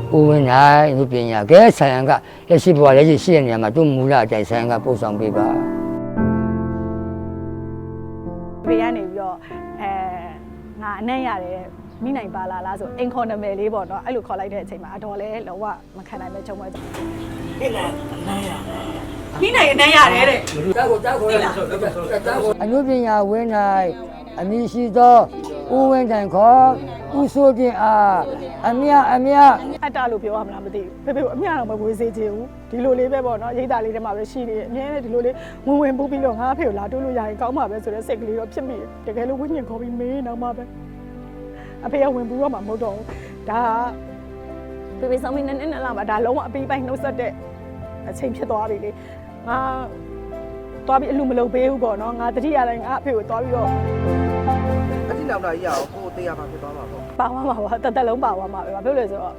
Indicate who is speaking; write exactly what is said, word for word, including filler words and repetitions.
Speaker 1: ဦးဝင်းနိုင်လူပညာကဲဆိုင်ရန်ကလက်ရှိဘဝလက်ရှိရှိတဲ့နေရာမှာသူ့မူလအတိုင်းဆိုင်ရန်ကပို့ဆောင်ပေးပါ
Speaker 2: ဘေးကနေပြီးတော့အဲငါအနှံ့ရတယ်မိနိုင်ပါလားလားဆိုအင်ခေါ်နာမည်လေးပေါ့နော်အဲ့လိုခေါ်လိုက်တဲ့အချိန်မှာအတော်လဲလောကမခံနိုင်မဲ့ချုံပဲဟဲ့လားအနှံ့ရမိနိုင်အနှံ့ရတယ်တဲ့တောက်ကိုတောက်ကိုအနုပညာဝင်းနိုင်အမည်ရှိသောဦးဝင်းတိုင်ခေါ်ဦးစိုးတင်အားအမြအမြအတ္တလို့ပြောရမလားမသိဘူးဖေဖေကအမြတော့မဝေးစေချင်ဘူးဒီလိုလေးပဲပေါ့နော်ရိတ်သားလေးထဲမှာပဲရှိနေတယ်အမြဲတမ်းဒီလိုလေးဝင်ဝင်ပူးပြီးတော့ငါဖေကိုလာတိုးလို့ရရင်ကောင်းပါပဲဆိုတဲ့စိတ်ကလေးတော့ဖြစ်မိတယ်တကယ်လို့ဝိညာဉ်ခေါ်ပြီးမေးတော့မှပဲအဖေကဝင်ပူးတော့မှမဟုတ်တော့ဘူးဒါကဖေဖေဆောင်ပြီးနည်းနည်းလာမှဒါလုံးဝအပီးပိုင်းနှုတ်ဆက်တဲ့အချိန်ဖြစ်သွားပြီလေငါသွားပြီးအလူမလုပ်ပေးဘူးပေါ့နော်ငါတတိယတိုင်းငါအဖေကိုသွားပြီးတော့
Speaker 3: အတိနောက်လာကြီးရအောင်ကိုယ်တရားမှာဖြစ်သွားမှာပေါ့
Speaker 2: ပါသွားမှာပါတက်တက်လုံးပါသွားမှာပဲဘာဖြစ်လို့လဲဆိုတော့